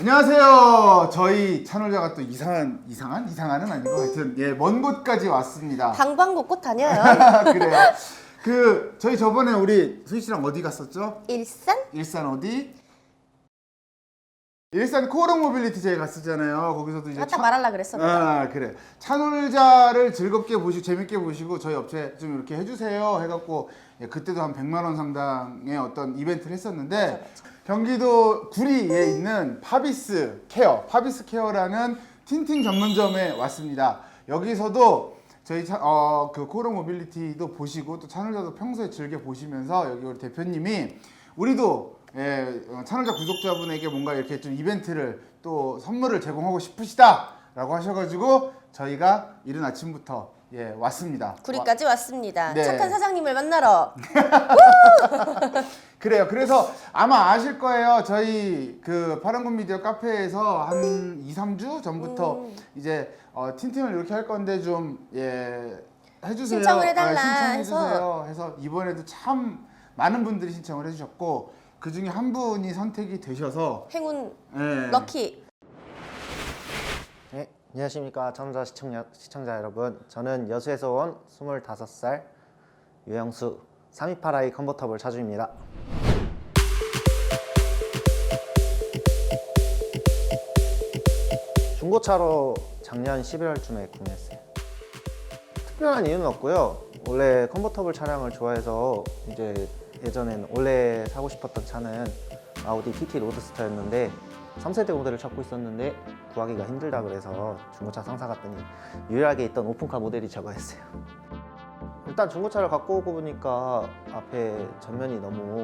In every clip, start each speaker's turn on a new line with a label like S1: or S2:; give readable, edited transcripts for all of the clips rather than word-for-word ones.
S1: 안녕하세요. 저희 찬홀자가 또 이상한은 아니고 하여튼 먼 곳까지 왔습니다.
S2: 방방곡곡 다녀요.
S1: 그래요. 저희 저번에 우리 수희 씨랑 어디 갔었죠?
S2: 일산?
S1: 일산 어디? 일산 코오롱 모빌리티 저희 갔었잖아요. 거기서도 이제
S2: 딱 말하려고 그랬어.
S1: 그래. 찬홀자를 즐겁게 보시고 재밌게 보시고 저희 업체 좀 이렇게 해주세요 해갖고 그때도 한 100만 원 상당의 어떤 이벤트를 했었는데
S2: 그렇죠.
S1: 경기도 구리에 있는 파비스 케어라는 틴팅 전문점에 왔습니다. 여기서도 저희 그 코오롱 모빌리티도 보시고 또 찬홀자도 평소에 즐겨 보시면서 여기 우리 대표님이 우리도 찬홀자 구독자분에게 뭔가 이렇게 좀 이벤트를 또 선물을 제공하고 싶으시다라고 하셔가지고 저희가 이른 아침부터 왔습니다.
S2: 구리까지 왔습니다.
S1: 네.
S2: 착한 사장님을 만나러.
S1: 그래요. 그래서 아마 아실 거예요. 저희 그 파란군 미디어 카페에서 한 2, 3주 전부터 이제 틴팅을 이렇게 할 건데 좀 해주세요.
S2: 신청을 해달라
S1: 신청해주세요. 해서 이번에도 참 많은 분들이 신청을 해주셨고 그 중에 한 분이 선택이 되셔서
S2: 행운 럭키.
S3: 네, 안녕하십니까 찬홀자 시청자 여러분. 저는 여수에서 온 25살 유영수 328i 컨버터블 차주입니다. 중고차로 작년 11월쯤에 구매했어요. 특별한 이유는 없고요. 원래 컨버터블 차량을 좋아해서 이제 예전엔 원래 사고 싶었던 차는 아우디 TT 로드스터였는데 3세대 모델을 찾고 있었는데 구하기가 힘들다 그래서 중고차 상사 갔더니 유일하게 있던 오픈카 모델이 저거였어요. 일단 중고차를 갖고 오고 보니까 앞에 전면이 너무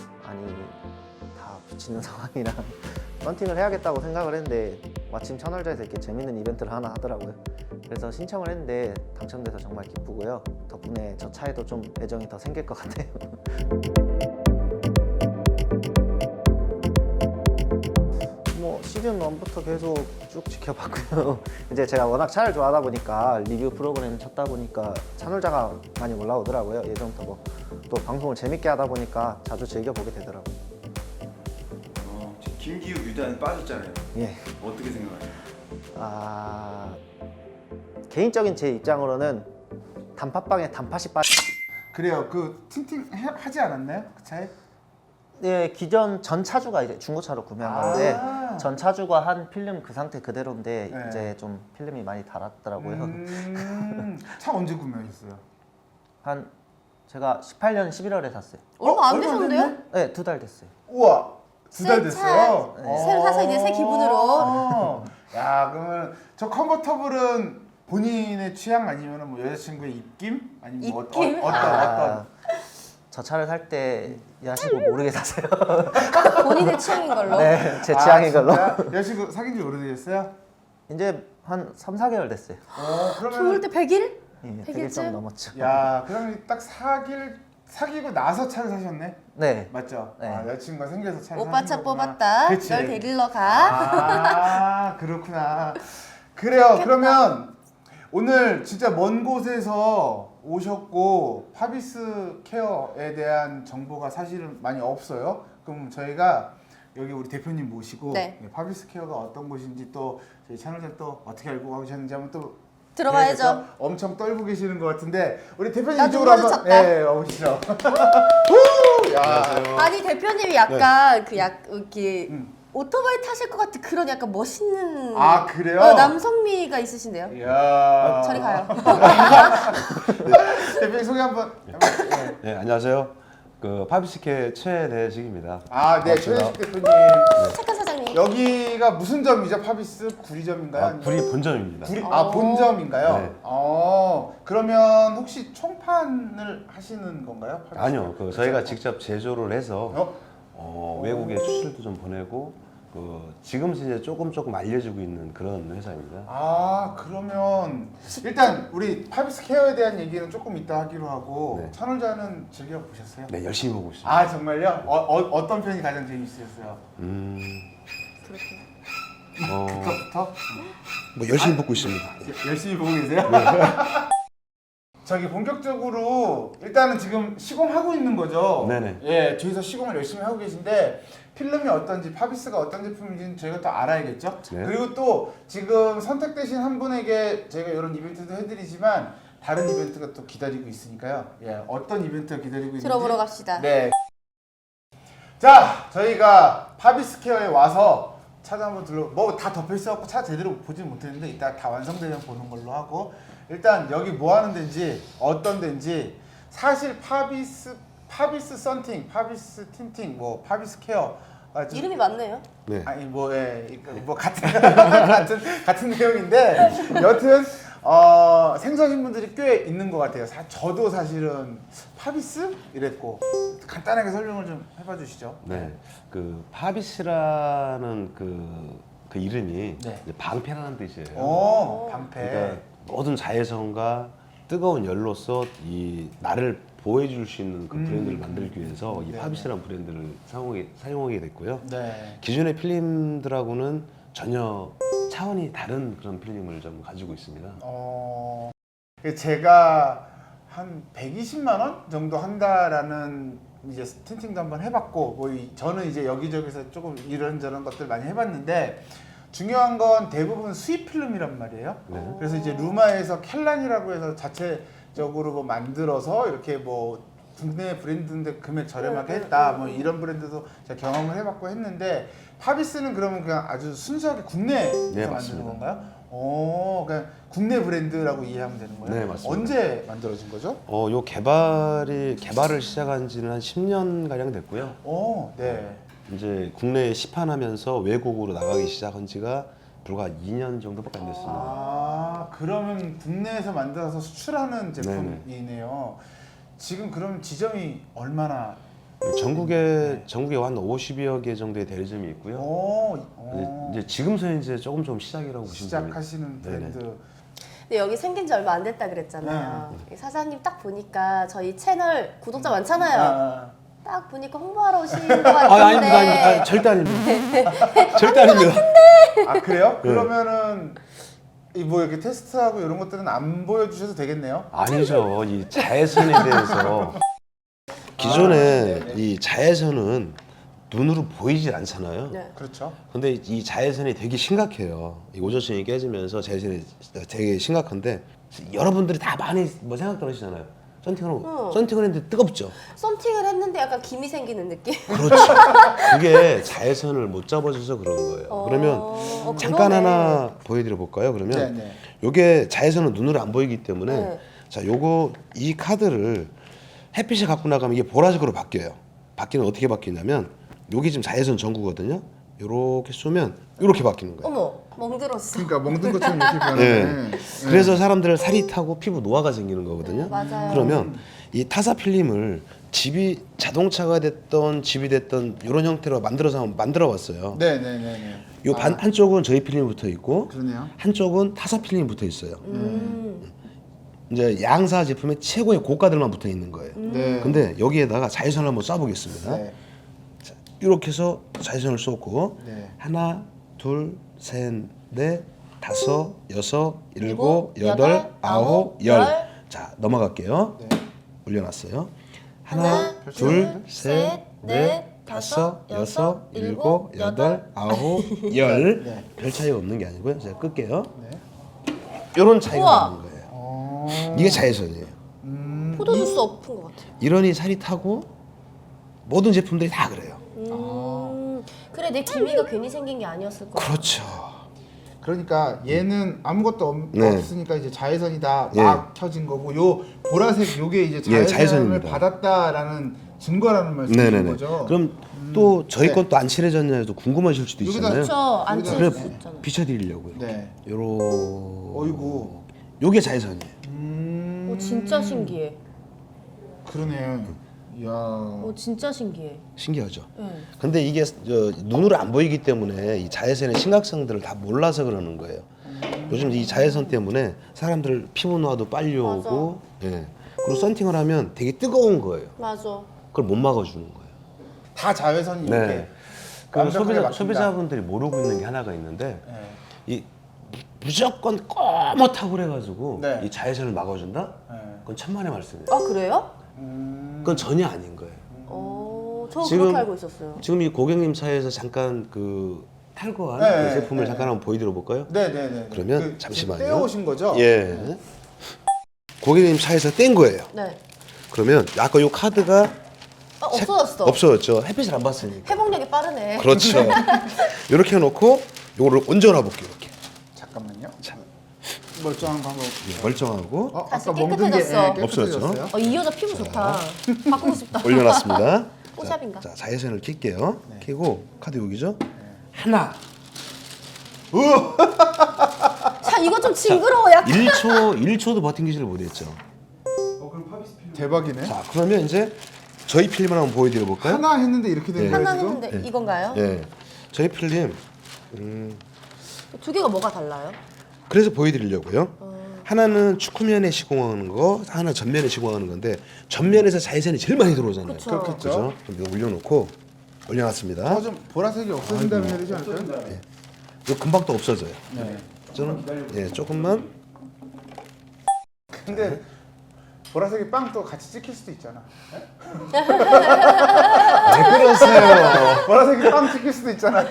S3: 다 비치는 상황이라 런팅을 해야겠다고 생각을 했는데 마침 찬홀자에서 이렇게 재밌는 이벤트를 하나 하더라고요. 그래서 신청을 했는데 당첨돼서 정말 기쁘고요. 덕분에 저 차에도 좀 애정이 더 생길 것 같아요. 시즌 1부터 계속 쭉 지켜봤고요. 이제 제가 워낙 차를 좋아하다 보니까 리뷰 프로그램 찾다 보니까 찬홀자가 많이 올라오더라고요. 예전부터 또 방송을 재밌게 하다 보니까 자주 즐겨보게 되더라고요.
S4: 김기우 유단에 빠졌잖아요.
S3: 예.
S4: 어떻게 생각하세요?
S3: 개인적인 제 입장으로는 단팥빵에 단팥이
S1: 그래요. 그 틴팅 하지 않았나요? 그 차에?
S3: 네, 기존 전 차주가 이제 중고차로 구매한 건데 전 차주가 한 필름 그 상태 그대로인데 이제 좀 필름이 많이 달았더라고요.
S1: 차 언제 구매하셨어요?
S3: 제가 18년 11월에 샀어요.
S2: 얼마 안
S1: 얼마
S2: 되셨는데요?
S1: 됐네?
S3: 네, 2달 됐어요.
S1: 우와, 2달
S2: 새
S1: 됐어요?
S2: 차, 새로 사서 이제 새 기분으로.
S1: 야, 그러면 저 컨버터블은 본인의 취향 아니면 뭐 여자친구의 입김? 아니면 뭐
S2: 입김?
S1: 어떤?
S3: 저 차를 살 때 야식을 모르게 사세요.
S2: 본인의 취향인 걸로.
S3: 네, 제 취향인 걸로.
S1: 여자친구 사귄 지 오래되셨어요?
S3: 이제 한 3, 4개월 됐어요.
S2: 좋을
S1: 그러면
S2: 때 100일?
S3: 예,
S2: 100일쯤?
S3: 100일 좀 넘었죠.
S1: 야, 그러면 딱 사귀고 나서 차를 사셨네?
S3: 네.
S1: 맞죠?
S3: 네.
S1: 여자친구가 생겨서 차를
S2: 오빠 차
S1: 사신 거구나.
S2: 뽑았다.
S1: 그치?
S2: 널 데리러 가.
S1: 그렇구나. 그래요. 그러면 오늘 진짜 먼 곳에서 오셨고 파비스 케어에 대한 정보가 사실은 많이 없어요. 그럼 저희가 여기 우리 대표님 모시고 파비스 케어가 어떤 곳인지 또 저희 채널자 또 어떻게 알고 가셨는지 한번 또
S2: 들어봐야죠.
S1: 그래서 엄청 떨고 계시는 것 같은데 우리 대표님
S2: 나
S1: 이쪽으로
S2: 눈물을
S1: 한번
S2: 쳤다.
S1: 오시죠. 야.
S2: 아니 대표님이 약간 이렇게 오토바이 타실 것 같은 그런 약간 멋있는
S1: 그래요?
S2: 남성미가 있으신데요.
S1: 이야.
S2: 저리 가요.
S1: 대표님 소개 한번.
S4: 네, 안녕하세요. 그 파비스케 최대식입니다.
S1: 네, 최대식 대표님.
S2: 착한 사장님.
S1: 여기가 무슨 점이죠? 파비스 구리점인가요?
S4: 구리 본점입니다.
S1: 본점인가요?
S4: 네.
S1: 그러면 혹시 총판을 하시는 건가요? 파비스?
S4: 아니요, 저희가 직접 제조를 해서
S1: 어?
S4: 외국에 수출도 좀 보내고 지금 이제 조금 알려지고 있는 그런 회사입니다.
S1: 그러면 일단 우리 파비스 케어에 대한 얘기는 조금 이따 하기로 하고
S4: 네.
S1: 찬홀자는 즐겨 보셨어요?
S4: 네, 열심히 보고 있습니다.
S1: 정말요? 어떤 편이 가장 재밌으셨어요? 그거부터?
S5: 뭐 열심히 보고 있습니다.
S1: 열심히 보고 계세요? 저기 본격적으로 일단은 지금 시공하고 있는 거죠.
S4: 네네.
S1: 예, 저희서 시공을 열심히 하고 계신데 필름이 어떤지 파비스가 어떤 제품인지는 저희가 또 알아야겠죠.
S4: 네.
S1: 그리고 또 지금 선택되신 한 분에게 저희가 이런 이벤트도 해드리지만 다른 이벤트가 또 기다리고 있으니까요. 예, 어떤 이벤트가 기다리고 있는지
S2: 들어보러 갑시다.
S1: 네. 자, 저희가 파비스케어에 와서 차도 한번 뭐 다 덮여 있어갖고 차 제대로 보지는 못했는데 이따 다 완성되면 보는 걸로 하고 일단 여기 뭐 하는 데인지 어떤 데인지 사실 파비스 썬팅, 파비스 틴팅, 뭐 파비스 케어
S2: 이름이 맞네요.
S4: 네.
S1: 아니 뭐 뭐 같은 같은 내용인데 여튼 생소하신 분들이 꽤 있는 것 같아요. 저도 사실은 파비스 이랬고 간단하게 설명을 좀 해봐 주시죠.
S4: 네. 그 파비스라는 그 이름이
S1: 네.
S4: 이제 방패라는 뜻이에요.
S1: 방패.
S4: 그러니까 모든 자외선과 뜨거운 열로서 이 나를 보호해줄 수 있는 그 브랜드를 만들기 위해서 이
S1: 네.
S4: 파비스라는 브랜드를 사용하게 됐고요.
S1: 네.
S4: 기존의 필름들하고는 전혀 차원이 다른 그런 필름을 좀 가지고 있습니다.
S1: 제가 한 120만 원 정도 한다라는 이제 틴팅도 한번 해봤고 저는 이제 여기저기서 조금 이런저런 것들 많이 해봤는데 중요한 건 대부분 수입 필름이란 말이에요.
S4: 네.
S1: 그래서 이제 루마에서 켈란이라고 해서 자체적으로 뭐 만들어서 이렇게 뭐 국내 브랜드인데 금액 저렴하게 했다 뭐 이런 브랜드도 제가 경험을 해봤고 했는데 파비스는 그러면 그냥 아주 순수하게 국내에서
S4: 네,
S1: 만드는
S4: 맞습니다.
S1: 건가요? 그냥 국내 브랜드라고 이해하면 되는 거예요?
S4: 네, 맞습니다.
S1: 언제 만들어진 거죠?
S4: 요 개발을 시작한 지는 한 10년 가량 됐고요.
S1: 네.
S4: 이제 국내에 시판하면서 외국으로 나가기 시작한 지가 불과 2년 정도밖에 안 됐습니다.
S1: 그러면 국내에서 만들어서 수출하는 제품이네요. 지금 그럼 지점이 얼마나?
S4: 전국에 한 50여 개 정도의 대리점이 있고요. 이제 지금서 이제 조금 시작이라고 보시면 됩니다.
S1: 시작하시는 브랜드.
S2: 근데 여기 생긴 지 얼마 안 됐다 그랬잖아요. 사장님 딱 보니까 저희 채널 구독자 많잖아요. 딱 보니까 홍보하러 오신 것 같은데.
S4: 아닙니다. 절대 아닙니다. 절대 아닙니다.
S1: 그래요? 그러면은 뭐 이렇게 테스트하고 이런 것들은 안 보여주셔도 되겠네요.
S4: 아니죠. 이 자외선에 대해서 기존에 이 자외선은 눈으로 보이질 않잖아요.
S2: 네.
S1: 그렇죠.
S4: 근데 이 자외선이 되게 심각해요. 이 오존층이 깨지면서 자외선이 되게 심각한데 여러분들이 다 많이 뭐 생각들 하시잖아요. 썬팅을 했는데 뜨겁죠.
S2: 썬팅을 했는데 약간 김이 생기는 느낌?
S4: 그렇죠. 그게 자외선을 못 잡아줘서 그런 거예요. 그러면 잠깐
S2: 그러네.
S4: 하나 보여드려 볼까요? 그러면
S1: 네.
S4: 요게 자외선은 눈으로 안 보이기 때문에
S2: 네.
S4: 자, 요거 이 카드를 햇빛에 갖고 나가면 이게 보라색으로 바뀌어요. 바뀌는 어떻게 바뀌냐면 요게 지금 자외선 전구거든요. 요렇게 쏘면 요렇게 바뀌는 거예요.
S2: 어머, 멍들었어.
S1: 그러니까 멍든 것처럼 이렇게 변하네.
S4: 네. 그래서 사람들 살이 타고 피부 노화가 생기는 거거든요.
S2: 맞아요.
S4: 그러면 이 타사 필름을 자동차가 됐던 집이 됐던 이런 형태로 만들어 왔어요.
S1: 네네네.
S4: 요 한쪽은 저희 필름이 붙어 있고
S1: 그러네요.
S4: 한쪽은 타사 필름이 붙어 있어요. 이제 양사 제품의 최고의 고가들만 붙어 있는 거예요.
S1: 네.
S4: 근데 여기에다가 자외선을 한번 쏴보겠습니다.
S1: 네.
S4: 이렇게 해서 자외선을 쏘고
S1: 네.
S4: 하나, 둘, 셋, 넷, 다섯, 여섯, 일곱, 여덟, 아홉, 열. 자, 넘어갈게요.
S1: 네.
S4: 올려놨어요. 하나, 둘, 셋, 넷, 다섯, 여섯, 일곱, 여덟, 아홉, 열.
S1: 네.
S4: 별 차이가 없는 게 아니고요. 제가 끌게요.
S1: 네.
S4: 이런 차이가
S2: 우와.
S4: 나는 거예요. 이게 자외선이에요.
S2: 포도주스 엎은 것 같아요.
S4: 이러니 살이 타고 모든 제품들이 다 그래요.
S2: 그래, 내 기미가 괜히 생긴 게 아니었을 거야.
S4: 그렇죠.
S1: 그러니까 얘는 아무것도
S4: 네.
S1: 없으니까 이제 자외선이다
S4: 예.
S1: 막 켜진 거고 요 보라색 요게 이제
S4: 예,
S1: 자외선을
S4: 자외선입니다.
S1: 받았다라는 증거라는 말씀이신
S4: 네네네.
S1: 거죠.
S4: 그럼 또 저희
S1: 네.
S4: 건 또 안 칠해졌냐도 궁금하실 수도
S1: 여기다
S4: 있잖아요.
S2: 그렇죠. 안
S1: 그래,
S4: 그래
S2: 칠수 있잖아.
S4: 비춰드리려고요.
S1: 네.
S4: 요런.
S1: 어이구.
S4: 요게 자외선이에요.
S2: 오, 진짜 신기해.
S1: 그러네. 이야.
S2: 오, 진짜 신기해.
S4: 신기하죠.
S2: 네.
S4: 근데 이게 눈으로 안 보이기 때문에 이 자외선의 심각성들을 다 몰라서 그러는 거예요. 요즘 이 자외선 때문에 사람들 피부 노화도 빨리 오고, 예. 그리고 썬팅을 하면 되게 뜨거운 거예요.
S2: 맞아.
S4: 그걸 못 막아주는 거예요.
S1: 다 자외선이 이렇게.
S4: 네. 그
S1: 완벽하게 막힌다.
S4: 소비자분들이 모르고 있는 게 하나가 있는데
S1: 네.
S4: 이 무조건 꼬뭇하고 그래가지고
S1: 네.
S4: 이 자외선을 막아준다?
S1: 네.
S4: 그건 천만의 말씀이에요.
S2: 아 그래요?
S4: 그건 전혀 아닌 거예요.
S2: 저
S4: 지금-
S2: 그렇게 알고 있었어요.
S4: 지금 이 고객님 차에서 잠깐 그 탈거한
S1: 네,
S4: 그 제품을
S1: 네,
S4: 잠깐 한번 보여드려 볼까요?
S1: 네네네.
S4: 그러면 잠시만요.
S1: 떼어오신 거죠?
S4: 예. 고객님 차에서 뗀 거예요.
S2: 네.
S4: 그러면 아까 요 카드가
S2: 없어졌어.
S4: 없어졌죠. 햇빛을 안 봤으니까.
S2: 회복력이 빠르네.
S4: 그렇죠. 이렇게 해놓고 요거를 얹어놔 볼게요. 이렇게
S1: 잠깐만요.
S4: 자.
S1: 멀쩡한 거 한번.
S4: 예, 멀쩡하고
S2: 다시
S1: 아까 멍든 게
S2: 깨끗해졌어.
S1: 깨끗해졌어요?
S2: 이 여자 피부 좋다. 바꾸고 싶다.
S4: 올려놨습니다.
S2: 뽀샵인가?
S4: 자, 자외선을 킬게요.
S1: 네.
S4: 켜고 카드 여기죠. 하나.
S2: 자 이거 좀 징그러워 약간.
S4: 1초도 버팅기지를 못했죠.
S1: 대박이네.
S4: 자, 그러면 이제 저희 필름을 한번 보여드려 볼까요?
S1: 하나 했는데 이렇게 된
S4: 네.
S1: 거예요
S2: 하나
S1: 지금?
S2: 했는데 이건가요?
S4: 예. 저희 필름
S2: 두 개가 뭐가 달라요?
S4: 그래서 보여드리려고요. 하나는 축구면에 시공하는 거, 하나 전면에 시공하는 건데 전면에서 자외선이 제일 많이 들어오잖아요.
S2: 그쵸.
S1: 그렇겠죠.
S4: 그죠? 그럼 이거 올려놓고 올려놨습니다.
S1: 좀 보라색이 없어진다면 해야 되지 않을까요?
S4: 이거 금방 또 없어져요.
S1: 네.
S4: 저는 예, 조금만
S1: 근데 보라색이 빵 또 같이 찍힐 수도 있잖아.
S4: 왜 그러세요?
S1: 보라색이 빵 찍힐 수도 있잖아.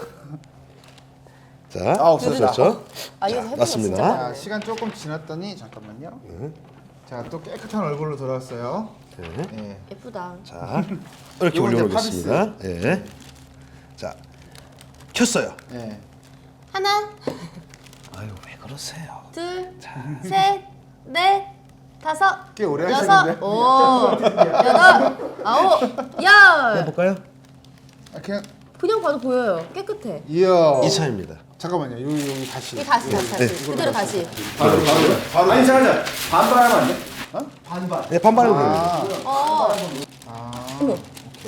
S4: 자,
S1: 없어졌다.
S4: 없어졌죠?
S2: 아 이거
S4: 자,
S2: 해보면
S4: 맞습니다.
S2: 진짜
S1: 자,
S2: 많네.
S1: 시간 조금 지났더니 잠깐만요. 자, 또 깨끗한 얼굴로 돌아왔어요.
S4: 네.
S1: 예.
S2: 예쁘다.
S4: 자, 이렇게
S1: 요건 이제
S4: 올려놓겠습니다. 예. 자, 켰어요.
S1: 예.
S2: 하나,
S4: 아유, 왜 그러세요?
S2: 둘, 셋, 넷, 다섯,
S1: 꽤 오래
S2: 여섯,
S1: 하셨는데.
S2: 여덟, 아홉, 열.
S4: 해볼까요?
S1: 아, 그냥
S2: 그냥 봐도 보여요. 깨끗해.
S1: 이야.
S4: 2차입니다.
S1: 잠깐만요. 여기 다시.
S2: 이 다시 그대로 다시.
S1: 바로 아니 잠깐 반반 하면 안 돼?
S4: 네, 반반을 보여요.
S1: 아,
S2: 어머.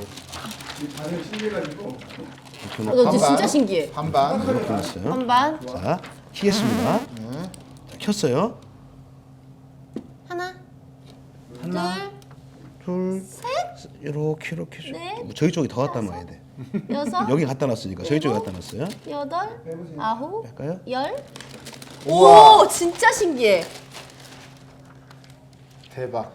S2: 너
S1: 반반.
S2: 진짜 신기해.
S1: 반반.
S4: 이렇게 놨어요.
S2: 반반.
S4: 자, 키겠습니다. 자, 켰어요.
S2: 하나,
S4: 둘, 이렇게
S2: 넷.
S4: 저희 쪽이 더 갖다 놔야 돼.
S2: 여섯,
S4: 여기 갖다 놨으니까 저희 쪽에 갖다 놨어요.
S2: 여덟, 아홉,
S4: 할까요?
S2: 열. 오, 진짜 신기해.
S1: 대박.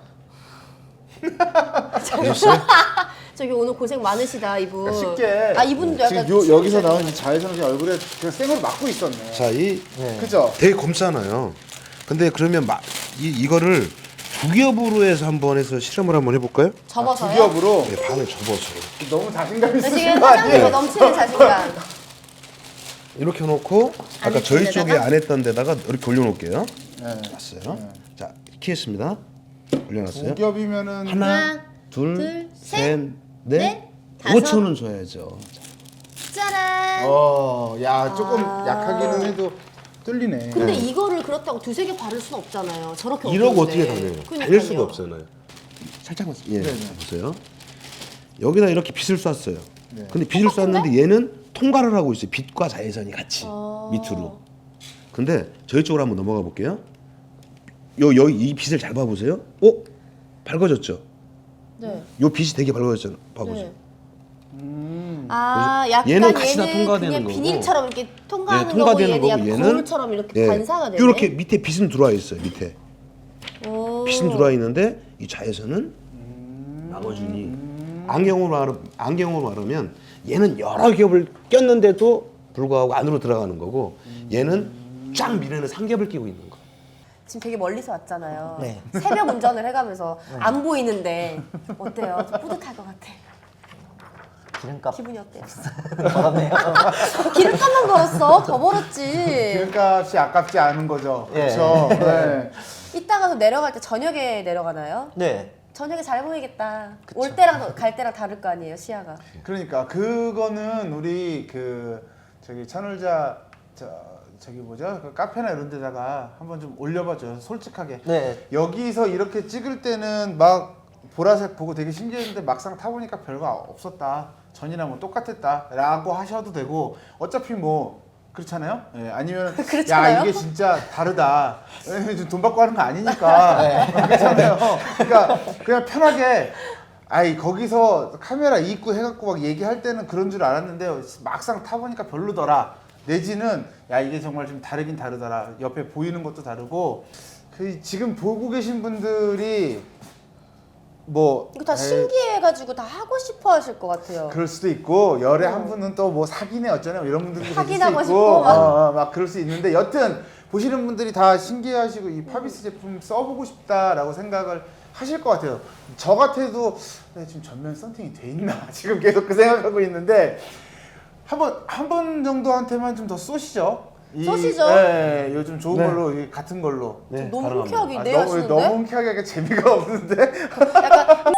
S4: 보셨어요?
S2: 저기 오늘 고생 많으시다 이분.
S1: 쉽게.
S2: 아 이분도 약간.
S1: 지금 여기서 나온 이 자외선을 그냥 얼굴에 그냥 생으로 막고 있었네.
S4: 자,
S1: 그죠?
S4: 되게 검잖아요. 근데 그러면 이거를 두 겹으로 해서 한번 해서 실험을 한번 해볼까요?
S2: 접어서요?
S1: 두 겹으로
S4: 네, 반을 접어서
S1: 너무 자신감
S2: 나
S1: 있으신
S2: 지금
S1: 거
S2: 사장님이
S1: 아니에요?
S2: 넘치는 자신감.
S4: 이렇게 해놓고 아까
S2: 안에
S4: 저희
S2: 있는
S4: 쪽에
S2: 데다가?
S4: 안 했던 데다가 이렇게 올려놓을게요.
S1: 네.
S4: 놨어요. 자, 키했습니다. 올려놨어요.
S1: 두 겹이면은
S4: 하나, 둘,
S2: 둘,
S4: 셋,
S2: 셋,
S4: 넷,
S2: 넷, 다섯.
S4: 5초는 줘야죠.
S2: 짜란.
S1: 야 조금
S2: 아.
S1: 약하기는 해도 뚫리네.
S2: 근데 이거를 그렇다고 두세 개 바를 순 없잖아요. 저렇게
S4: 이러고
S2: 없는데.
S4: 어떻게 다녀요?
S2: 그러니까요.
S4: 달릴 수가 없잖아요. 살짝만, 예,
S1: 네네.
S4: 보세요. 여기다 이렇게 빛을 쐈어요.
S1: 네.
S4: 근데 빛을 쐈는데 얘는 통과를 하고 있어요. 빛과 자외선이 같이
S2: 아.
S4: 밑으로. 근데 저희 쪽으로 한번 넘어가 볼게요. 여기 이 빛을 잘 봐보세요. 밝아졌죠?
S2: 네.
S4: 요 빛이 되게 밝아졌잖아요. 봐보세요.
S2: 네. 아, 약간
S4: 얘는 같이 다
S2: 얘는
S4: 통과되는
S2: 그냥
S4: 거고.
S2: 비닐처럼 이렇게 통과하는
S4: 네, 통과되는
S2: 거고 얘는
S4: 거고
S2: 약간
S4: 얘는
S2: 거울처럼 이렇게
S4: 예,
S2: 반사가 되네.
S4: 이렇게 밑에 빛은 들어와 있어요. 밑에
S2: 오.
S4: 빛은 들어와 있는데 이 자외선은 나머지니 안경으로 말하면 얘는 여러 겹을 꼈는데도 불구하고 안으로 들어가는 거고 얘는 쫙 미래는 3겹을 끼고 있는 거.
S2: 지금 되게 멀리서 왔잖아요.
S3: 네.
S2: 새벽 운전을 해가면서 안 보이는데 어때요? 좀 뿌듯할 것 같아.
S3: 기름값
S2: 기분이 어때요?
S3: 벌었네요.
S2: 기름값만 벌었어. 더 벌었지.
S1: 기름값이 아깝지 않은 거죠.
S3: 예.
S1: 그렇죠. 네.
S2: 이따가 내려갈 때 저녁에 내려가나요?
S3: 네.
S2: 저녁에 잘 보이겠다. 올 때랑 갈 때랑 다를 거 아니에요, 시야가.
S1: 그러니까 그거는 우리 저기 찬울자 저기 뭐죠? 그 카페나 이런 데다가 한번 좀 올려봐줘요. 솔직하게.
S3: 네.
S1: 여기서 이렇게 찍을 때는 막 보라색 보고 되게 신기했는데 막상 타보니까 별거 없었다. 전이랑 뭐 똑같았다. 라고 하셔도 되고 어차피 뭐 그렇잖아요? 예, 아니면
S2: 그렇잖아요?
S1: 야 이게 진짜 다르다. 예, 돈 받고 하는 거 아니니까. 그렇잖아요. 그러니까 그냥 편하게 아이 거기서 카메라 입고 해갖고 막 얘기할 때는 그런 줄 알았는데 막상 타보니까 별로더라. 내지는 야 이게 정말 좀 다르긴 다르더라. 옆에 보이는 것도 다르고 그 지금 보고 계신 분들이 뭐
S2: 이거 다 신기해가지고 다 하고 싶어 하실 것 같아요.
S1: 그럴 수도 있고 열에 한 분은 또 뭐 사귀네 어쩌네 뭐 이런 분들도 계실 수
S2: 확인하고
S1: 있고
S2: 싶고 막.
S1: 막 그럴 수 있는데 여튼 보시는 분들이 다 신기해하시고 이 파비스 제품 써보고 싶다라고 생각을 하실 것 같아요. 저 같아도 지금 전면 썬팅이 돼 있나 지금 계속 그 생각하고 있는데 한 번 정도한테만 좀 더 쏘시죠.
S2: 쏘시죠.
S1: 네, 요즘 좋은
S4: 네.
S1: 걸로 이 같은 걸로.
S4: 네,
S2: 너무
S4: 가능합니다.
S2: 흔쾌하게 네
S1: 너무
S2: 하시는데?
S1: 너무 흔쾌하게 하니까 재미가 없는데.
S2: 약간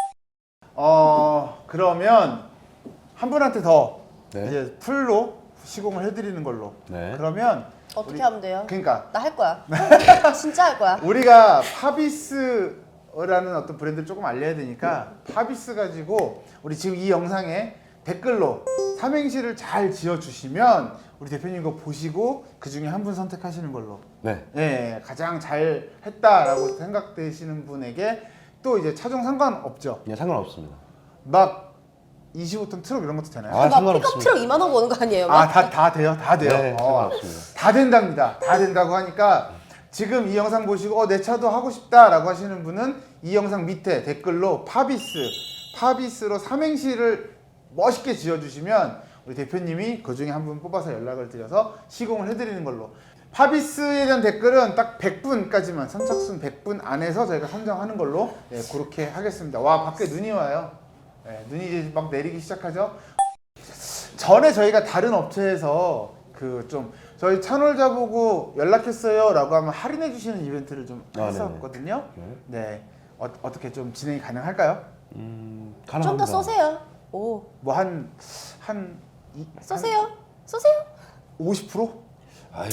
S1: 그러면 한 분한테 더
S4: 네.
S1: 이제 풀로 시공을 해드리는 걸로.
S4: 네.
S1: 그러면
S2: 어떻게
S1: 우리-
S2: 하면 돼요?
S1: 그러니까
S2: 나 할 거야. 진짜 할 거야.
S1: 우리가 파비스라는 어떤 브랜드를 조금 알려야 되니까 파비스 가지고 우리 지금 이 영상에 댓글로 삼행시를 잘 지어주시면 우리 대표님 거 보시고 그 중에 한 분 선택하시는 걸로.
S4: 네.
S1: 예, 가장 잘 했다라고 생각되시는 분에게 또 이제 차종 상관없죠.
S4: 네, 상관없습니다.
S1: 막 25톤 트럭 이런 것도 되나요?
S4: 아,
S2: 막
S4: 상관없습니다.
S2: 픽업 트럭 2만 원 거는 거 아니에요?
S1: 아,
S2: 막?
S1: 다 돼요? 다 돼요?
S4: 네, 상관없습니다.
S1: 다 된답니다. 다 된다고 하니까 지금 이 영상 보시고 내 차도 하고 싶다라고 하시는 분은 이 영상 밑에 댓글로 파비스로 삼행시를 멋있게 지어주시면 우리 대표님이 그 중에 한 분 뽑아서 연락을 드려서 시공을 해드리는 걸로. 파비스에 대한 댓글은 딱 100분까지만 선착순 100분 안에서 저희가 선정하는 걸로 그렇게 하겠습니다. 와, 밖에 눈이 와요. 눈이 이제 막 내리기 시작하죠. 전에 저희가 다른 업체에서 그 좀 저희 채널자 보고 연락했어요라고 하면 할인해 주시는 이벤트를 좀
S4: 아,
S1: 했었거든요.
S4: 네네.
S1: 네, 어떻게 좀 진행이 가능할까요?
S4: 가능합니다.
S2: 좀 더 쏘세요. 오,
S1: 뭐 한
S2: 쏘세요. 쏘세요.
S1: 50%?
S4: 아유,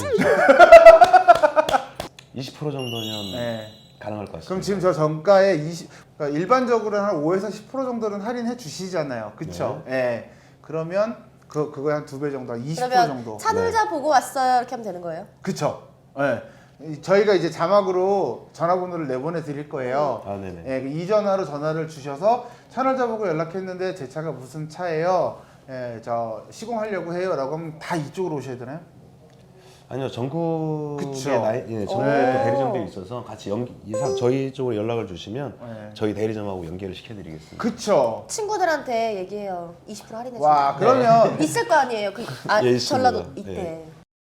S4: 20% 정도면
S1: 네.
S4: 가능할 것 같습니다.
S1: 그럼 지금 저 정가에 그러니까 일반적으로는 한 5에서 10% 정도는 할인해 주시잖아요. 그쵸? 예. 그러면 그거에 한 2배 정도, 한 20%
S2: 그러면
S1: 정도.
S2: 차놀자 보고 왔어요. 이렇게 하면 되는 거예요?
S1: 그쵸? 예. 저희가 이제 자막으로 전화번호를 내보내 드릴 거예요.
S4: 아, 네네.
S1: 예, 이 전화로 전화를 주셔서 차널자 보고 연락했는데 제 차가 무슨 차예요? 예, 저 시공하려고 해요라고 하면 다 이쪽으로 오셔야 되나요?
S4: 아니요, 전국에
S1: 그쵸.
S4: 전국에 또
S2: 오.
S4: 대리점들이 있어서 같이 저희 쪽으로 연락을 주시면
S1: 네.
S4: 저희 대리점하고 연결을 시켜드리겠습니다.
S1: 그쵸?
S2: 친구들한테 얘기해요. 20% 할인해
S1: 와,
S2: 준다.
S1: 그러면
S2: 있을 거 아니에요.
S4: 예, 있습니다.
S2: 전라도 있대.
S4: 네.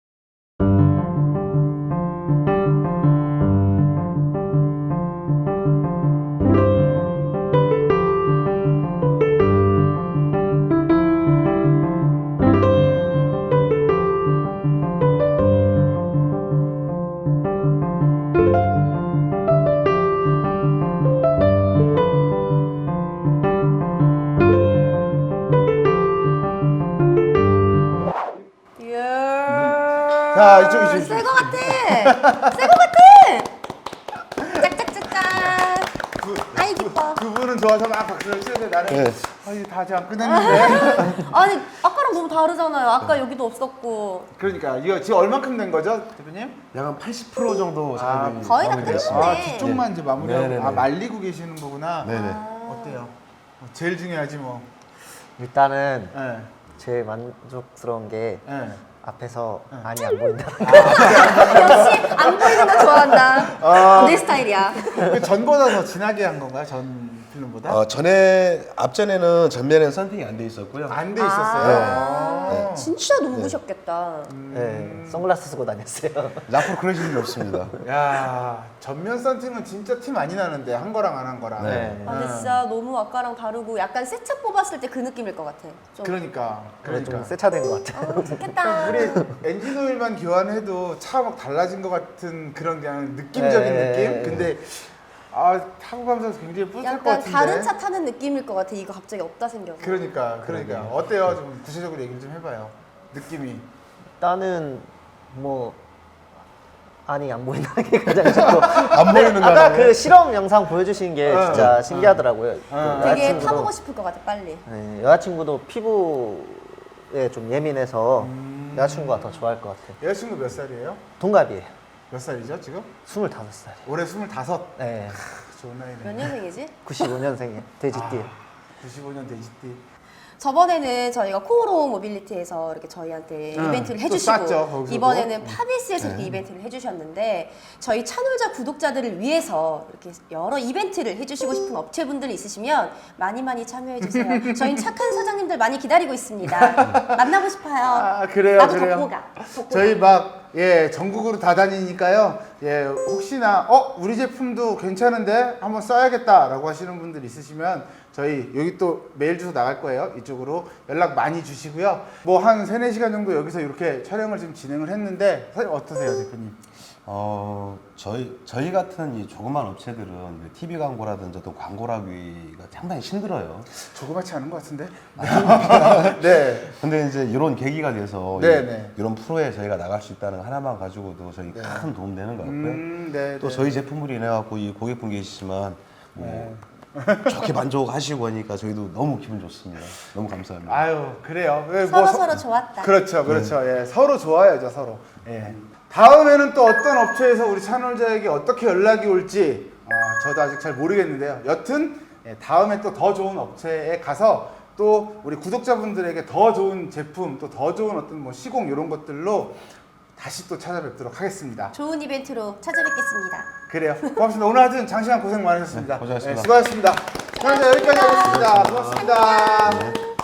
S1: 자, 이쪽.
S2: 새거 같아. 새거 같아. 짝짝짝짝. 아이 기뻐.
S1: 그분은 좋아서 막 박수를 치는데 나는
S4: 네.
S1: 이제 다 아직 안 끝났는데.
S2: 아니 아까랑 너무 다르잖아요. 아까 여기도 없었고.
S1: 그러니까 이거 지금 얼마큼 된 거죠, 대표님?
S4: 약 한 80% 정도 작업이
S2: 거의 다
S4: 마무리됐습니다.
S2: 끝났네.
S1: 아, 뒤쪽만 이제 마무리하고
S4: 네네네.
S1: 말리고 계시는 거구나.
S4: 네네.
S1: 어때요? 제일 중요하지 뭐.
S3: 일단은
S1: 예.
S3: 제일 만족스러운 게
S1: 예.
S3: 앞에서 안이 안 보인다.
S2: 역시 안 보이는 거 좋아한다. 내 스타일이야.
S1: 그 전보다 더 진하게 한 건가요? 전 필름보다?
S4: 앞전에는 전면에는 썬팅이 안 돼 있었고요.
S1: 안 돼 있었어요.
S4: 네.
S2: 진짜 눈부셨겠다.
S3: 네, 선글라스 쓰고 다녔어요.
S4: 앞으로 그러실 일 없습니다.
S1: 야, 전면 썬팅은 진짜 티 많이 나는데 한 거랑 안 한 거랑.
S3: 네.
S2: 아, 근데 진짜 너무 아까랑 다르고 약간 새 차 뽑았을 때 그 느낌일 것 같아. 좀.
S1: 그러니까.
S3: 좀 새차된 것 같아요.
S2: 아, 좋겠다.
S1: 우리 엔진 오일만 교환해도 차 막 달라진 것 같은 그런 그냥 느낌적인
S3: 네.
S1: 느낌? 근데 타고 가면서 굉장히 뿌듯할 것
S2: 약간
S1: 같은데.
S2: 다른 차 타는 느낌일 것 같아. 이거 갑자기 없다 생겨서.
S1: 그러니까 어때요? 좀 구체적으로 얘기 좀 해봐요. 느낌이.
S3: 일단은 뭐 안이 안 보인다는 게 가장 좋고
S4: 안 보이는
S3: 아까
S4: 거라고요?
S3: 그 실험 영상 보여주신 게 진짜 신기하더라고요. 그
S2: 되게
S3: 여자친구도-
S2: 타보고 싶을 것 같아. 빨리.
S3: 네, 여자친구도 피부에 좀 예민해서 여자친구가 더 좋아할 것 같아요.
S1: 여자친구 몇 살이에요?
S3: 동갑이에요.
S1: 몇 살이죠 지금?
S3: 25살.
S1: 올해 25.
S3: 네,
S1: 좋은 나이네.
S2: 몇 년생이지?
S3: 95년생이에요. 돼지띠.
S1: 95년 돼지띠.
S2: 저번에는 저희가 코오로 모빌리티에서 이렇게 저희한테
S1: 응,
S2: 이벤트를
S1: 또
S2: 해주시고
S1: 쌌죠, 거기서도.
S2: 이번에는 파비스에서 이렇게 이벤트를 해주셨는데 저희 채널자 구독자들을 위해서 이렇게 여러 이벤트를 해주시고 싶은 업체분들 있으시면 많이 참여해주세요. 저희 착한 사장님들 많이 기다리고 있습니다. 만나고 싶어요.
S1: 아, 그래요,
S2: 나도
S1: 그래요.
S2: 덕보가.
S1: 저희 막 전국으로 다 다니니까요. 혹시나 우리 제품도 괜찮은데 한번 써야겠다라고 하시는 분들 있으시면 저희 여기 또 메일 주소 나갈 거예요. 이쪽으로 연락 많이 주시고요. 뭐 한 3-4시간 정도 여기서 이렇게 촬영을 지금 진행을 했는데 선생님 어떠세요, 대표님?
S4: 저희 같은 이 조그만 업체들은 TV 광고라든지 어떤 광고라기가 상당히 힘들어요.
S1: 조그맣지 않은 것 같은데? 네.
S4: 근데 이제 이런 계기가 돼서
S1: 네.
S4: 이런 프로에 저희가 나갈 수 있다는 거 하나만 가지고도 저희 큰 도움 되는 것 같고요.
S1: 네.
S4: 또 저희 제품으로 인해 갖고 이 고객분 계시지만 뭐 좋게 만족하시고 하니까 저희도 너무 기분 좋습니다. 너무 감사합니다.
S1: 아유, 그래요.
S2: 서로 좋았다.
S1: 그렇죠. 서로 좋아야죠, 서로. 다음에는 또 어떤 업체에서 우리 채널자에게 어떻게 연락이 올지 저도 아직 잘 모르겠는데요. 여튼 다음에 또 더 좋은 업체에 가서 또 우리 구독자분들에게 더 좋은 제품, 또 더 좋은 어떤 뭐 시공 이런 것들로 다시 또 찾아뵙도록 하겠습니다.
S2: 좋은 이벤트로 찾아뵙겠습니다.
S1: 그래요. 고맙습니다. 오늘 하여튼 장시간 고생 많으셨습니다.
S4: 네, 고생하셨습니다.
S1: 수고하셨습니다. 채널자 여기까지 하겠습니다. 고맙습니다.